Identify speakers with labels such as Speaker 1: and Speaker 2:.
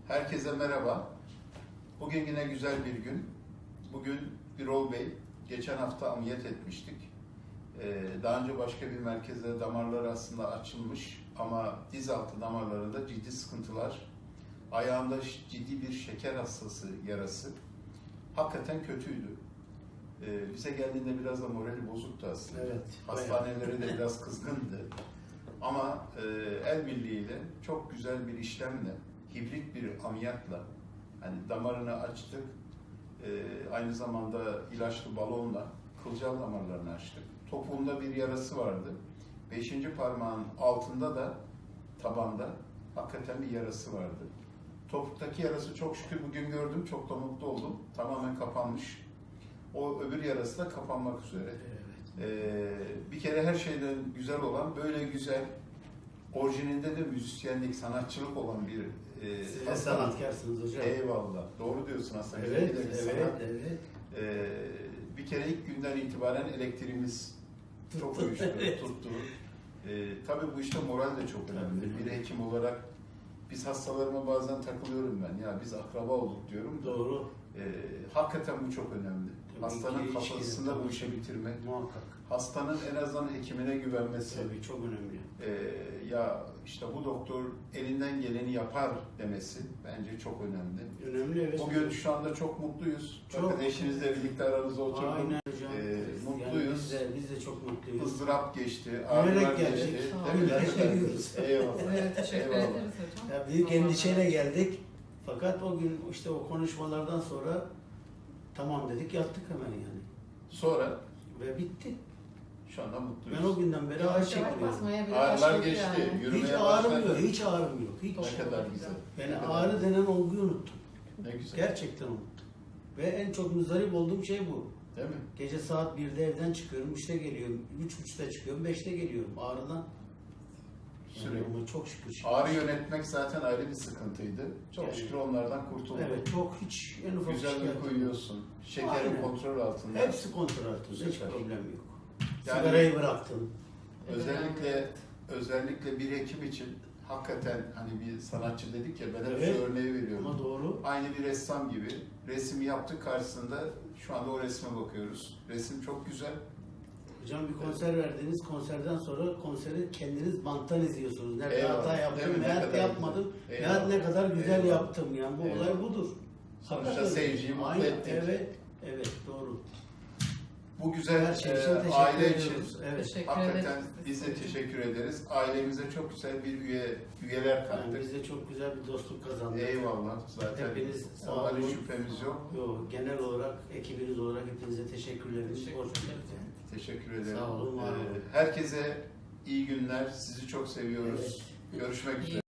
Speaker 1: Herkese merhaba. Bugün yine güzel bir gün. Bugün Birol Bey, geçen hafta ameliyat etmiştik. Daha önce başka bir merkezde damarları aslında açılmış ama diz altı damarlarında ciddi sıkıntılar, ayağında ciddi bir şeker hastası yarası. Hakikaten kötüydü. Bize geldiğinde biraz da morali bozuktu aslında.
Speaker 2: Evet,
Speaker 1: hastanelere de biraz kızgındı. Ama el birliğiyle çok güzel bir işlemle, hibrit bir ameliyatla, hani damarını açtık, aynı zamanda ilaçlı balonla kılcal damarlarını açtık. Topuğunda bir yarası vardı. 5. parmağın altında da tabanda hakikaten bir yarası vardı. Topuktaki yarası çok şükür bugün gördüm, çok da mutlu oldum. Tamamen kapanmış. O öbür yarası da kapanmak üzere. Bir kere her şeyden güzel olan, böyle güzel, orijininde de müzisyenlik, sanatçılık olan bir
Speaker 2: Siz de sanatkarsınız hocam.
Speaker 1: Eyvallah. Doğru diyorsun aslında.
Speaker 2: Evet,
Speaker 1: Bir de bir
Speaker 2: evet,
Speaker 1: sanat.
Speaker 2: evet.
Speaker 1: Bir kere ilk günden itibaren elektriğimiz çok uyuştu, tuttu. Tabii bu işte moral de çok önemli. Bir hekim olarak biz hastalarıma bazen takılıyorum ben. Ya biz akraba olduk diyorum.
Speaker 2: Doğru.
Speaker 1: Hakikaten bu çok önemli. Hastanın kafasında bu işi bitirmek.
Speaker 2: Muhakkak.
Speaker 1: Hastanın en azından hekimine güvenmesi.
Speaker 2: Tabii çok önemli.
Speaker 1: Ya işte bu doktor elinden geleni yapar demesi bence çok önemli.
Speaker 2: Önemli, evet.
Speaker 1: Bugün şu anda çok mutluyuz.
Speaker 2: Çok.
Speaker 1: Bakın eşinizle birlikte aranızda oturduk.
Speaker 2: Aynen hocam.
Speaker 1: Mutluyuz.
Speaker 2: Yani biz de çok mutluyuz.
Speaker 1: Izdırap geçti,
Speaker 2: Gülerek
Speaker 1: ağrılar
Speaker 2: geldik.
Speaker 1: geçti.
Speaker 2: Gülerek geliyoruz.
Speaker 1: Eyvallah.
Speaker 3: Evet, teşekkür
Speaker 1: Eyvallah.
Speaker 3: ederiz hocam.
Speaker 2: Ya büyük endişeyle geldik. Fakat o gün işte o konuşmalardan sonra tamam dedik, yattık hemen yani.
Speaker 1: Sonra
Speaker 2: Ve bitti.
Speaker 1: şu anda mutluyuz.
Speaker 2: Ben o günden beri ağrı
Speaker 3: Yavaş yavaş
Speaker 2: çekmiyorum.
Speaker 3: basmaya bile
Speaker 1: Ağrılar
Speaker 3: başladık
Speaker 1: geçti.
Speaker 3: yani.
Speaker 1: Yürümeye
Speaker 2: Hiç
Speaker 1: başladı.
Speaker 2: ağrım yok, hiç ağrım yok. Hiç.
Speaker 1: Ne kadar güzel.
Speaker 2: Yani
Speaker 1: Ne kadar
Speaker 2: ağrı denen olguyu unuttum.
Speaker 1: Ne güzel.
Speaker 2: Gerçekten unuttum. Ve en çok muzdarip olduğum şey bu.
Speaker 1: Değil mi?
Speaker 2: Gece saat 1'de evden çıkıyorum, 3'te geliyorum, 3.30'da çıkıyorum, 5'te geliyorum ağrıdan.
Speaker 1: Sürekli.
Speaker 2: Ama çok şükür.
Speaker 1: Ağrı yönetmek zaten ayrı bir sıkıntıydı. Çok
Speaker 2: Yani-
Speaker 1: şükür onlardan kurtulduk.
Speaker 2: Evet, çok hiç en ufak
Speaker 1: Güzel
Speaker 2: şikayet
Speaker 1: uyku
Speaker 2: yok.
Speaker 1: uyuyorsun. Şekerin
Speaker 2: Aynen.
Speaker 1: kontrol altında.
Speaker 2: Hepsi kontrol altında, hiç
Speaker 1: Süper.
Speaker 2: problem yok.
Speaker 1: Yani-
Speaker 2: Sigarayı bıraktım.
Speaker 1: Özellikle bir hekim için hakikaten hani bir sanatçı dedik ya, ben hep
Speaker 2: Evet.
Speaker 1: şu örneği veriyorum.
Speaker 2: Ama doğru.
Speaker 1: Aynı bir ressam gibi resim yaptık, karşısında şu anda o resme bakıyoruz. Resim çok güzel.
Speaker 2: Hocam bir konser verdiniz, konserden sonra konseri kendiniz banttan izliyorsunuz. Nerede
Speaker 1: Eyvallah.
Speaker 2: hata
Speaker 1: Değil
Speaker 2: yaptım,
Speaker 1: mi? Ne
Speaker 2: nerede
Speaker 1: kadar
Speaker 2: yapmadım,
Speaker 1: güzel. Eyvallah.
Speaker 2: ne kadar güzel
Speaker 1: Eyvallah.
Speaker 2: yaptım yani. Bu
Speaker 1: Eyvallah.
Speaker 2: olay budur.
Speaker 1: Sonuçta
Speaker 2: Hakikaten.
Speaker 1: seyirciyi mutlu
Speaker 2: Aynen,
Speaker 1: ettik.
Speaker 2: Evet, doğru.
Speaker 1: Bu güzel
Speaker 2: Her şey için teşekkür
Speaker 1: aile için
Speaker 2: ediyoruz. Evet.
Speaker 3: Teşekkür
Speaker 1: hakikaten
Speaker 3: ederiz.
Speaker 1: biz de teşekkür ederiz. Ailemize çok güzel bir üyeler
Speaker 2: Yani
Speaker 1: kattık.
Speaker 2: biz de çok güzel bir dostluk kazandık.
Speaker 1: Eyvallah. Zaten
Speaker 2: Hepiniz sağ
Speaker 1: ondan hiç
Speaker 2: olun.
Speaker 1: şüphemiz yok.
Speaker 2: Genel olarak, ekibiniz olarak hepinize teşekkürlerimizi
Speaker 3: Teşekkür
Speaker 2: borçluyuz.
Speaker 1: Teşekkür ederim.
Speaker 2: Sağ olun, var olun.
Speaker 1: Herkese iyi günler. Sizi çok seviyoruz.
Speaker 2: Evet.
Speaker 1: Görüşmek üzere.